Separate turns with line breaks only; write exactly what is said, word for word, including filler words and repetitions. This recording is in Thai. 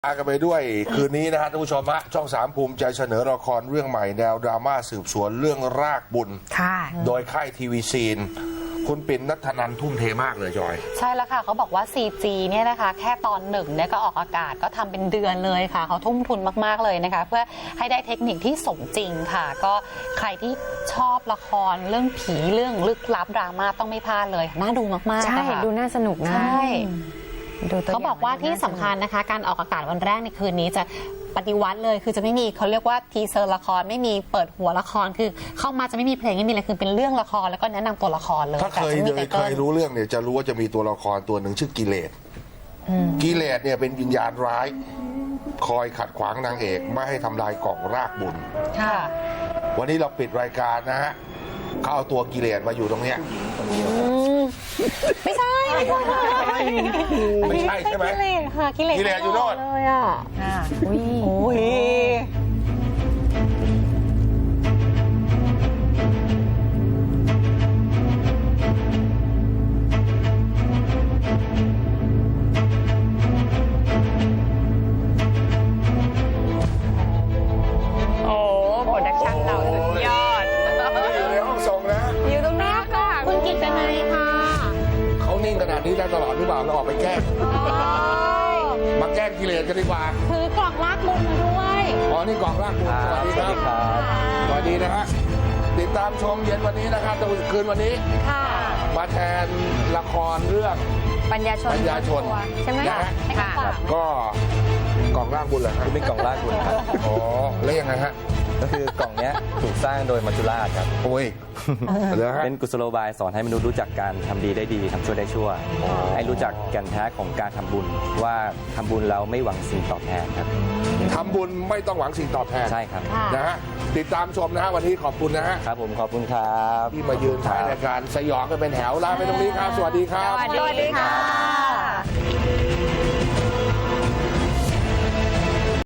อากันไปด้วยคืนนี้นะฮะท่านผู้ชมฮะช่องสามภูมิใจเสนอละครเรื่องใหม่แนวดราม่าสืบสวนเรื่องรากบุญค่ะโดยค่ายทีวีซีนคุณปิ่นณัฐนันท์ทุ่มเทมากเลยจอย
ใช่แล้วค่ะเขาบอกว่า ซี จี เนี่ยนะคะแค่ตอนหนึ่งเนี่ยก็ออกอากาศก็ทำเป็นเดือนเลยค่ะเขาทุ่มทุนมากๆเลยนะคะเพื่อให้ได้เทคนิคที่สมจริงค่ะก็ใครที่ชอบละครเรื่องผีเรื่องลึกลับดราม่าต้องไม่พลาดเลยน่าดูมากๆ
ใช่ดูน่าสนุกนะ
ใช่เขาบอกว่าที่สำคัญนะคะการออกอากาศวันแรกในคืนนี้จะปฏิวัติเลยคือจะไม่มีเขาเรียกว่าทีเซอร์ละครไม่มีเปิดหัวละครคือเข้ามาจะไม่มีเพลงไม่มีอะไรคือเป็นเรื่องละครแล้วก็แนะนำตัวละครเลย
ถ้าเคยเลยเคยรู้เรื่องเนี่ยจะรู้ว่าจะมีตัวละครตัวหนึ่งชื่อกิเลสกิเลสเนี่ยเป็นวิญญาณร้ายคอยขัดขวางนางเอกไม่ให้ทำลายกล่องรากบุญ
ค่ะ
วันนี้เราปิดรายการนะฮะเขาเอาตัวกิเลสมาอยู่ตรงเนี้ย
ไม่ใช่
ไม่ใช่ใช่ไหม
กิเลสค่ะกิเลส
กิเลสอยู่โน่น
เลยอ่ะอุ้ยโอ้ยโอ้โปรดักชั่นเราสุดยอด
อยู่ในห้องส่งนะ
อยู่ตรงนี้ค่ะคุณกิตตินัยค่ะ
เขานิ่งขนาดนี้ได้ตลอดหรือเปล่าเราออกไปแกล้งมาแกล้งกิเลสกันดีกว่า
ถือกล่องรากบุญมาด้วย
อ๋อนี่กล่องรากบุญสวัสดีครับสวัสดีนะฮะติดตามชมเย็นวันนี้นะครับตะวันคืนวันนี้
ค่ะ
มาแทนละครเรื่อง
ปัญญาชน
ปัญญาชน
ใช่ไหม
นะฮะก็กล่องรากบุญเหรอครับ
เป็นกล่องรากบุญครับ
อ๋อแล้วยังไงฮะ
ก็คือกล่องนี้ถูกสร้างโดยมัจจุราชครับ
โอ้ย
เป็นกุศโลบายสอนให้มนุษย์รู้จักการทำดีได้ดีทำชั่วได้ชั่วให้รู้จักแก่นแท้ของการทำบุญว่าทำบุญแล้วไม่หวังสิ่งตอบแทนครับ
ทำบุญไม่ต้องหวังสิ่งตอบแทน
ใช่ครับ
นะฮะติดตามชมนะฮะวันนี้ขอบคุณนะฮะ
ครับผมขอบคุณครับ
ที่มายืนท้ายรายการสยองกันเป็นแถวลาไปตรงนี้ครับสวัสดีครับ
สวัสดีค่ะ